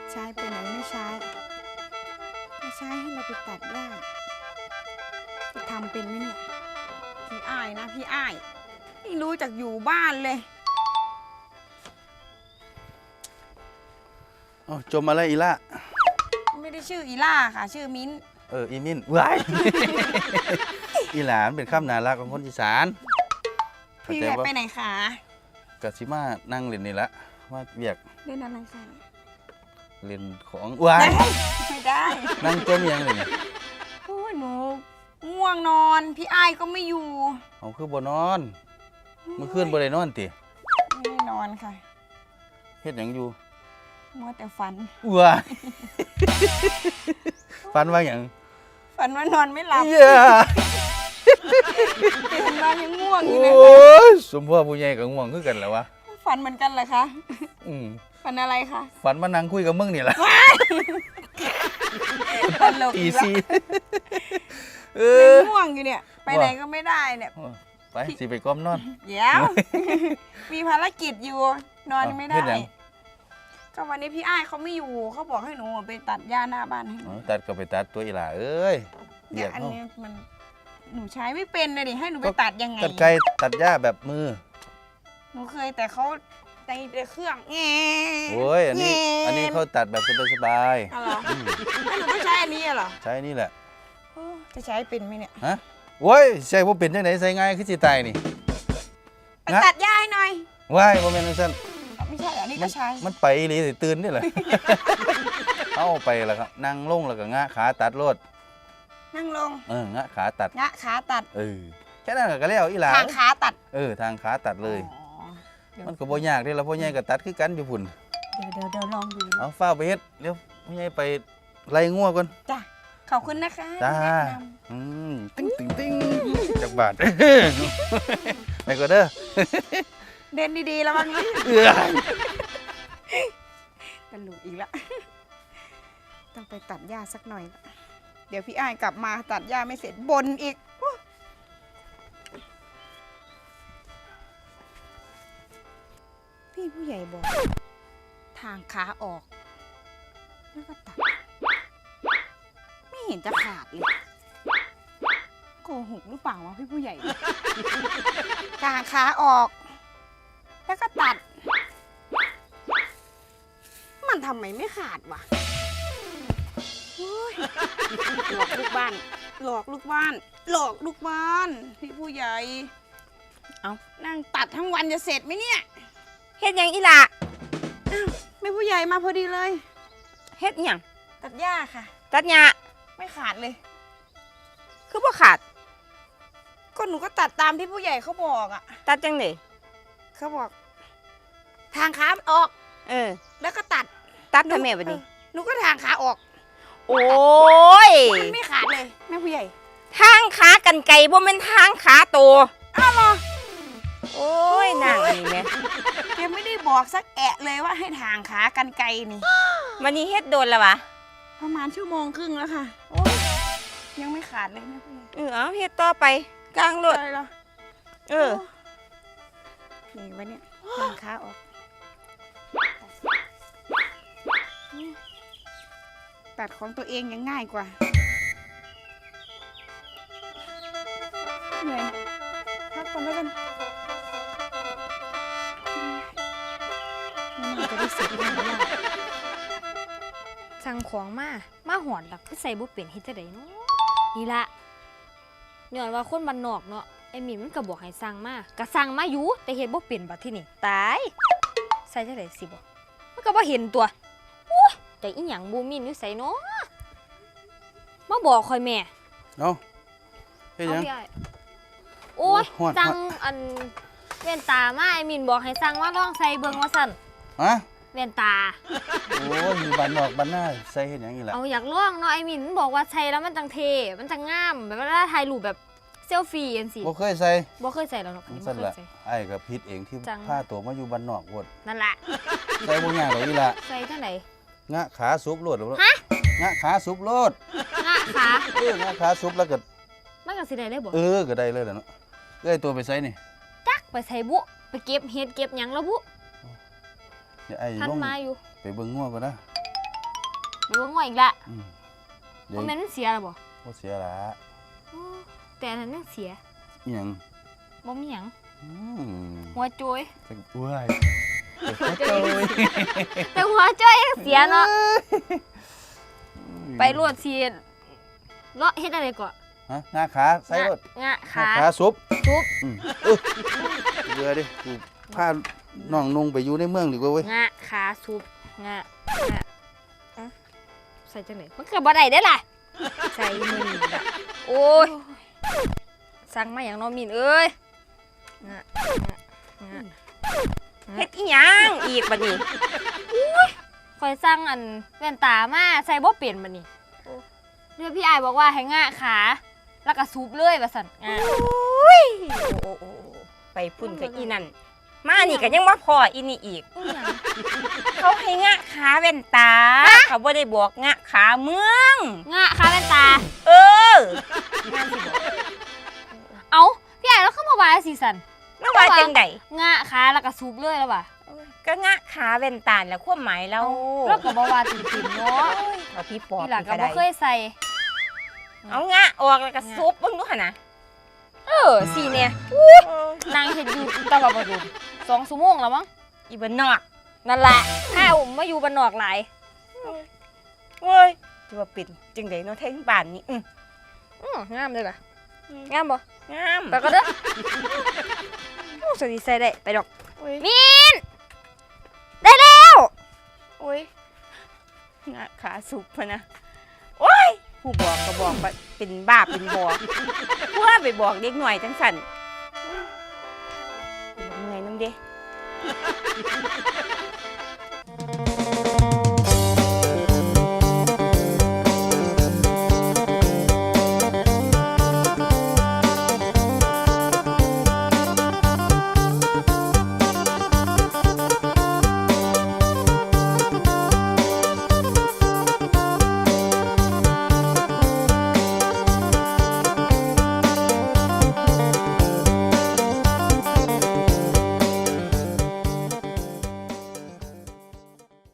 ใช้ไปไหนไม่ใช้ก็ใช้ให้เราไปตัดหญ้าจะทำเป็นไหมเนี่ยพี่อ้ายนะพี่อ้ายไม่รู้จักอยู่บ้านเลยจมอะไรอีล่ะไม่ได้ชื่ออีล่าค่ะชื่อมิ้นอีมินว้ายอีหลานเป็นคำน่ารักของคนอีสานพี่แหวไปไหนคะกะสิมานั่งเล่นนี่ละว่าเวียกเล่นอะไรคะเล่นของว้ายไม่ได้นั่งจมยังเลยนี่โอ้ยหนูง่วงนอนพี่อ้ายก็ไม่อยู่เอาคือบ่นอนเมื่อคืนบ่ได้นอนติไม่ได้นอนค่ะเฮ็ดหยังอยู่มัวแต่ฝันว้ายฝันว่าหยังฝันว่านอนไม่หลับตื่นมายังง่วงอยู่เลยสมพ่อผู้ใหญ่กับง่วงคือกันแล้ววะฝันเหมือนกันเหรอคะฝันอะไรคะฝันมานั่งคุยกับมึงนี่แหละตลกตีซีง่วงอยู่เนี่ยไปไหนก็ไม่ได้เนี่ยไปสิไปก้มนอนเดี๋ยวมีภารกิจอยู่นอนไม่ได้ก็วันนี้พี่อ้ายเขาไม่อยู่เขาบอกให้หนูไปตัดหญ้าหน้าบ้านให้หนูตัดก็ไปตัดตัวอีหล่าเอ้ยเดี๋ยวอันนี้มันหนูใช้ไม่เป็นเลยดิให้หนูไปตัดยังไงตัดไกลตัดหญ้าแบบมือหนูเคยแต่เขาในเครื่องโอ้ยอันนี้เขาตัดแบบสบายๆเหรอแล้วหนูต้องใช้อันนี้เหรอใช้นี่แหละจะใช้เป็นไหมเนี่ยฮะโว้ยใช่ว่าเป็นยังไงใส่ง่ายคือสิตายนี่ไปตัดหญ้าให้หน่อยว้ายโมเมนต์สั้นไม่ใช่อันนี้ก็ใช้มันไปเลยตื่นนี่แหละเอาไปแล้วครับนั่งลงแล้วก็งะขาตัดรถนั่งลงงะขาตัดงะขาตัดแค่นั้นก็แล้วอีหลาทางขาตัดทางขาตัดเลยมันก็บ่ยากที่เราพ่อใหญ่ก็ตัดคือกันอยู่พุ่นเดี๋ยวลองดูเอาฝ้าไปเฮ็ดเดี๋ยวพ่อใหญ่ไปไล่งัวก่อนจ้ะขอบคุณนะคะจ้าติ้งจากบาทไปก็เด้อเดินดีๆแล้วมันตลกอีกละต้องไปตัดหญ้าสักหน่อยเดี๋ยวพี่อ้ายกลับมาตัดหญ้าไม่เสร็จบ่นอีกพี่ผู้ใหญ่บอกทางขาออกแล้วก็ตัดไม่เห็นจะขาดเลยโกหกหรือเปล่าวะพี่ผู้ใหญ่ทางขาออกแล้วก็ตัดมันทำไมไม่ขาดวะหลอกลูกบ้านหลอกลูกบ้านหลอกลูกบ้านพี่ผู้ใหญ่เอานั่งตัดทั้งวันจะเสร็จไหมเนี่ยเฮ็ดยังอีหล่ะแม่ผู้ใหญ่มาพอดีเลยเฮ็ดยังตัดหญ้าค่ะตัดหญ้าไม่ขาดเลยคือบ่ขาดก็หนูก็ตัดตามที่ผู้ใหญ่เขาบอกอ่ะตัดจังได๋เขาบอกทางขาออกแล้วก็ตัดทำไมบัดนี้หนูก็ทางขาออกโอ้ยมันไม่ขาดเลยแม่ผู้ใหญ่ทางขากันไก่บ่แม่นทางขาโตอ้าวเหรอโอ้ยนางนี่แม่แกไม่ได้บอกสักแอะเลยว่าให้ทางขากันไกลนี่วันนี้เฮ็ดโดนแล้ววะประมาณชั่วโมงครึ่งแล้วค่ะโอ้ยังไม่ขาดเลยแม่ผู้ใหญ่เอาเฮ็ดต่อไปกลางรถอะไรเหรอนี่วะเนี่ยทางขาออกตัดของตัวเองยังง่ายกว่าเหนื่อยพักก่อนแล้วกันน่าจะได้เสร็จแล้วสั่งของมาหอดหลักคือใส่บ่เป็นเฮ็ดจังได๋เนาะนี่ล่ะย้อนว่าคนบ้านนอกเนาะไอ้หมิ่นมันก็บอกให้สั่งมาก็สั่งมาอยู่แต่เฮ็ดบ่เป็นบัดทีนี้ตายใส่จังได๋สิบ่มันก็บ่เห็นตัวโอ้ยแต่อีหยังบ่มีอยู่ไสเนาะมาบอกค่อยแม่เนาะเฮ็ดหยังโอ้ยสั่งอันแว่นตามาไอ้หมิ่นบอกให้สั่งมาลองใส่เบิ่งว่าซั่นฮะแว่นตาโอ้ยอยู่บ้านนอกบ้านหน้าใส่เฮ็ดหยังอีหล่ะเอาอยากลองเนาะไอ้หมิ่นบอกว่าใส่แล้วมันจังเท่มันจังงามแบบเวลาถ่ายรูปแบบเซลฟี่จังซี่บ่เคยใส่แล้วเนาะบ่เคยใส่ไอ้ก็ผิดเองที่พาตัวมาอยู่บ้านนอกโพดนั่นล่ะใส่บ่ยากดอกอีหล่ะใส่จังได๋งะขาซุบโลดฮะงะขาซุบโลดงะขางะขาซุบแล้วก็มันก็สิได้เลยบ่ก็ได้เลยล่ะเนาะเอ้ยตัวไปใส่นี่จักไปใส่บุไปเก็บเฮ็ดเก็บหยังแล้วบุเดี๋ยวไอ้ลงไปเบิ่งงัวก่อนนะหรือว่าง่วงอีกละเดี๋ยบ่วแม่นมันเสียแล้วบ่บ่เสียละโอ้แต่อันนั้นยังเสียอีหยังบ่มีหยังอืมหัวโจยจักอ้วยจักโจ้ยแต่หัวโจยยังเสียเนาะไปรวดสิเลาะเฮ็ดอะไรก่อนฮะงาขาใส่รถงะงาขาขาซุปซุปเบื่อดิกูพาน้องนุ่งไปอยู่ในเมืองดีกว่าเว้ยงะขาซุปงะอะใส่จังไหนมันก็บ่ได้เด้อล่ะใส่มือนี่ล่ะโอ้ยสั่งมาอย่างน้องมินเอ้ยงะงะเฮ็ดอีหยังอีกบัดนี้คอยสั่งอันแว่นตามาใส่บ่เปลี่ยนบัดนี้เดี๋ยวพี่อายบอกว่าให้งะขาแล้วก็ซุปเลยว่าซั่นงะโอ้ไปพุ่นกับอีนั่นมานี่ก็ยังบ่พออีนี่อีกอีหยังเขาให้งะขาแว่นตา เขาบ่ได้บอกงะขาเมืองงะขาแว่นตาเออเอ้าพี่อายแล้วเข้ามาว่าสิซั่นแล้วว่าจังได๋งะขาแล้วก็ซุปเลยแล้วว่ะก็งะขาแว่นตาแหล้วความหมายเราแล้วก็บ่ว่าติ่มๆเนาะเอาพี่ปอบพี่หลักก็ก็บ่ได้เคยใส่เอางะออกแล้วก็ซุบเบิ่งดูหั่นน่ะสิเนี่ยนางเฮ็ดอยู่ตะวันบ่ดู2 ชั่วโมงแล้วมั้งอีบ้านนอกนั่นแหละข้าวมาอยู่บ้านนอกหลายเว้ยจะว่าเป็นจังได๋เนาะแท้งบ้านนี่งามเลยล่ะงามบ่งามไปก็เด้อโอ้สวัสดีใส่ได้ไปดอกโอ้ยมินได้แล้วโอ้ยงะขาสุบพะนะโอ้ยผู้บอกก็บอกว่าเป็นบ้าเป็นบอกผู้ว่าไปบอกเด็กหน่อยจังสั่นเหนื่อยน้ำเด้